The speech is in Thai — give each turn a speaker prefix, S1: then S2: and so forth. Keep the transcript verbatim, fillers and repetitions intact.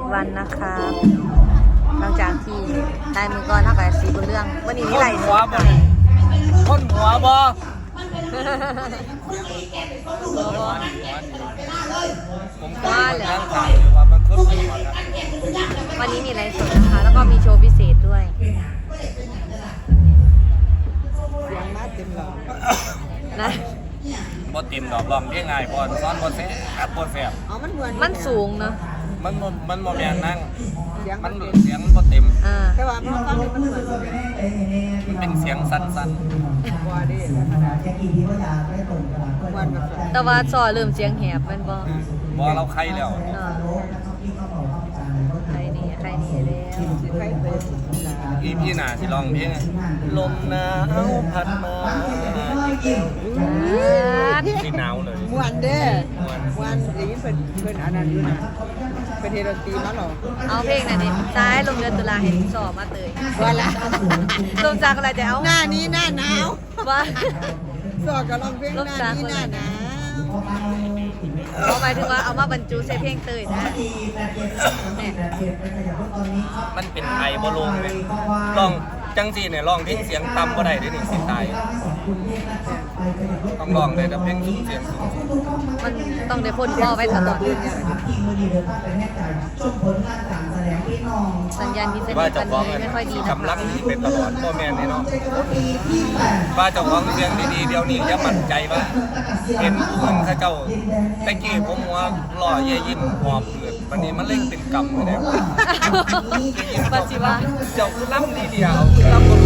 S1: วันนะคะหลังจากที่ได้มือก่อนเท่ากับสีบนเรื่องวันนี้มีไหลสดค่ะ
S2: คนหัวบอผมก็นั่งถามอยู่ว่ามันคนหัวครับ
S1: วันนี้มีไหลสดนะคะแล้วก็มีโชว์พิเศษด้วยนะ
S2: บอติมดอกลองเรียกง่ายบอลซ้อนบอลแซ่บบอลแซ่บ
S1: มันสูงเนาะ
S2: มันมันมันโมแมนนั่งมันเสียงบอติม
S1: อ่า
S3: แต่ว่ามันต้องมันเหมือน
S2: มันเป็นเสียงสั้น
S3: ว่าดิวันแบบ
S1: แต่ว่าซอเริ่มเสียงแหบแมันบ่
S2: ๆบอเราใครแล้ว
S1: เนาะใครนี่ใครนี่แล้ว
S3: สิใครเป็น
S2: อีพี่หนาที่ร้องเพลงลมหนาวพัดมาที่หนาวเลย
S3: มวนเด้มวนอย่างนี้เป็นเป็นอันนั้นอยู่นะเป็นเฮโรตีมาหรอ
S1: เอาเพลงไหนดิซ้ายลงเดือนตุลาเห็นสอบมาเตย
S3: ว่าละ
S1: ลงจากอะไรจะเอา
S3: หน้านี้หน้าหนาว
S1: ว่า
S3: สอกกับลองเพลงหน้านี้หน้าหนาว
S1: เอาหมายถึงว่าเอามาบรรจุใส่เพลงเตยนะเนี่ย
S2: มันเป็นไอบอลงเลยลองจังสีเนี่ยลองเพลงเสียงต่ำก็ได้ด้วยนี่สิตายต้องลองเลยแต่เพลงสูงเสียงสูง
S1: มันต้องได้พ่นพ่อไว้ตลอดสัญญาณพิเศษ
S2: ว่า
S1: กั
S2: เจ้าน ของ
S1: ไม่ค่อยดีนะ
S2: กำลังนี้เป็นตลอดพ่อแม่นี่เนาะว่าเจ้าของเสียงดีๆเดี๋ยวนี้จะมั่นใจว่าเห็นผู้อื่นเขาเจ้าตะกี้ผมว่าหล่อเย่ยิ้มหอบเกิดวันนี้มันเล่งเป็นกรรมเลยเนี่ย
S1: ปัจจุบัน
S2: เจ้าคือล้ำดีเดียวคือล้ำคน